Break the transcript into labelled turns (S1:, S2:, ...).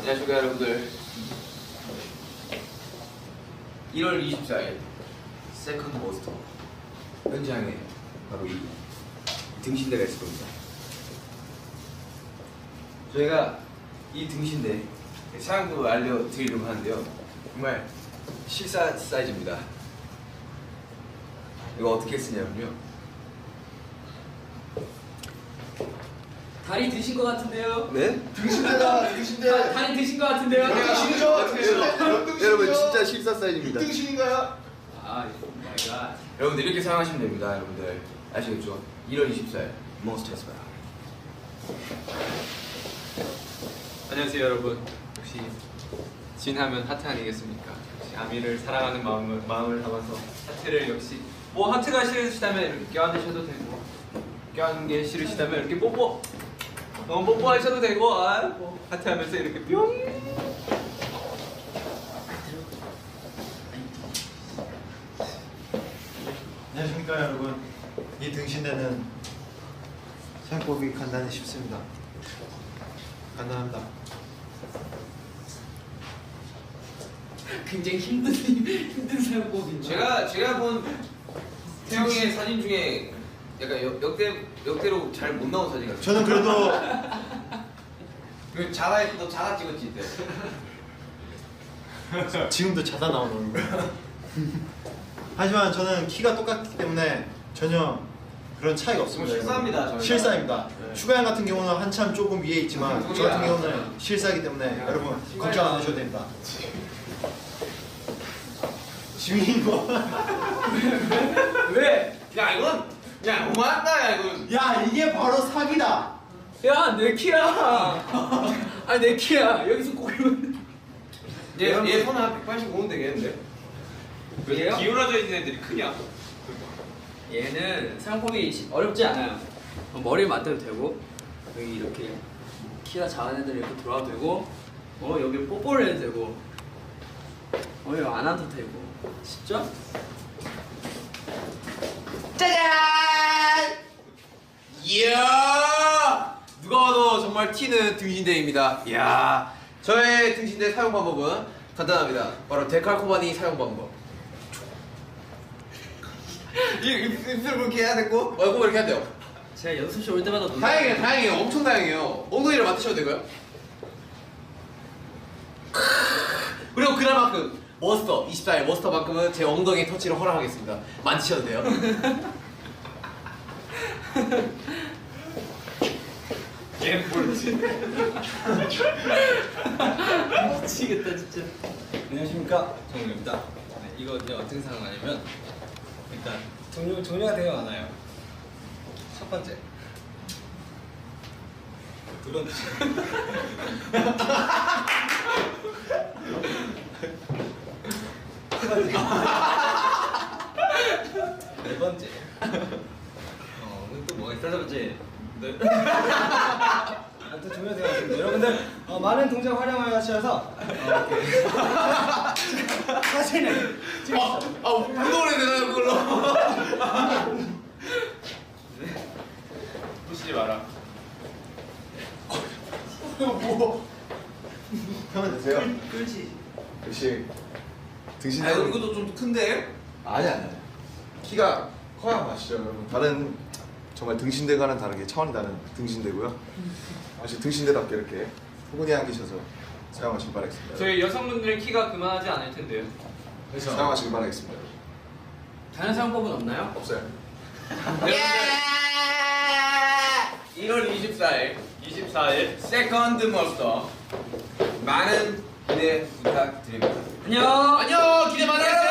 S1: 안녕하십니까 여러분들. 1월 24일 세컨드 모스터 현장에 바로 이 등신대가 있을 겁니다. 저희가 이 등신대 사용법을 알려드리려고 하는데요, 정말 실사 사이즈입니다. 이거 어떻게 쓰냐면요,
S2: 다리 드신 것 같은데요?
S1: 네?
S3: 등신대.
S2: 다리 드신 것 같은데요?
S1: 여러분 진짜 실사 사이즈입니다.
S3: 등신인가요?
S2: 아, 마이 갓.
S1: 여러분들 이렇게 사용하시면 됩니다. 여러분들 아시겠죠? 1월 24일 몬스터스바.
S4: 안녕하세요 여러분. 역시 진하면 하트 아니겠습니까? 역시 아미를 사랑하는 마음을 담아서 하트를, 역시 뭐 하트가 싫으시다면 이렇게 껴안으셔도 되고, 껴안는 게 싫으시다면 이렇게 뽀뽀하셔도 되고, 뭐 하트 하면서 이렇게 뿅.
S3: 안녕하십니까 여러분. 이 등신대는 사용법이 간단히 쉽습니다. 간단합니다.
S2: 굉장히 힘든 사용법인데.
S1: 제가 본 태영이의 사진 중에 약간 역대로 잘 못 나온 사진 같아요.
S3: 저는 그래도
S1: 너 자가 찍었지 이때.
S3: 지금도 자다 나오는 거예요. 하지만 저는 키가 똑같기 때문에 전혀 그런 차이가 없습니다.
S1: 실사입니다, 저희가.
S3: 실사입니다.
S1: 네.
S3: 슈가양 같은 경우는 한참 조금 위에 있지만 저 같은 경우는 실사이기 때문에 여러분 걱정 안 하셔도 됩니다. 지민이 뭐?
S2: 왜?
S1: 야 이건 그냥 너무한다. 야 이건.
S3: 야 이게 바로 사기다.
S2: 야, 내 키야. 아니, 내 키야. 여기서 고르면.
S1: 얘 손은 한 185는 되겠는데?
S2: 얘요?
S4: 기울어져 있는 애들이 크냐?
S2: 얘는 사용법이 어렵지 않아요. 머리를 맞대도 되고, 여기 이렇게 키가 작은 애들 이렇게 돌아도 되고, 여기 뽀뽀를 해도 되고, 여기 안 와도 되고. 쉽죠?
S1: 짜잔! 이야! 누가 봐도 정말 튀는 등신대입니다. 이야! 저의 등신대 사용 방법은 간단합니다. 바로 데칼코바니 사용 방법. 입술 그렇게 해야 되고, 얼굴 이렇게 해야 돼요.
S2: 제가 연습실 올 때마다
S1: 다행이에요. 엄청 다행이에요. 엉덩이를 맡으셔도 되고요. 그리고 그날만큼 머스터 24일 머스터만큼은 제 엉덩이 터치를 허락하겠습니다. 만지셔도 돼요.
S4: 얘 모르지.
S2: 미치겠다 진짜.
S5: 안녕하십니까, 정우입니다. 네, 이거 이제 어떻게 사용하냐면 일단 종류가 되게 많아요. 첫 번째, 두 번째, 네 번째. 또 뭐가 있어? 세 번째. 네. 또 종류가 되게 많습니다. 여러분들 많은 동작 활용을 하셔서 이렇게 사진을
S1: 운동을 해야 되나요, 그걸로?
S4: 부시지 마라.
S1: 뭐?
S3: 하면 되세요.
S2: 그렇지.
S3: 역시 등신대.
S1: 아, 이것도 좀 큰데?
S3: 아니야. 키가 커야 맛이죠, 여러분. 다른 정말 등신대과는 다르게 차원이 다른 등신대고요. 역시 등신대답게 이렇게 포근히 안기셔서 사용하시길 바라겠습니다.
S4: 저희 여성분들의 키가 그만하지 않을 텐데요.
S3: 사용하시길 바라겠습니다.
S2: 다른 사용법은 없나요?
S3: 없어요.
S1: 예! 1월 24일
S4: 24일
S1: 세컨드 머스터 많은 기대 부탁드립니다.
S2: 안녕.
S1: 안녕! 기대 많이 하세요!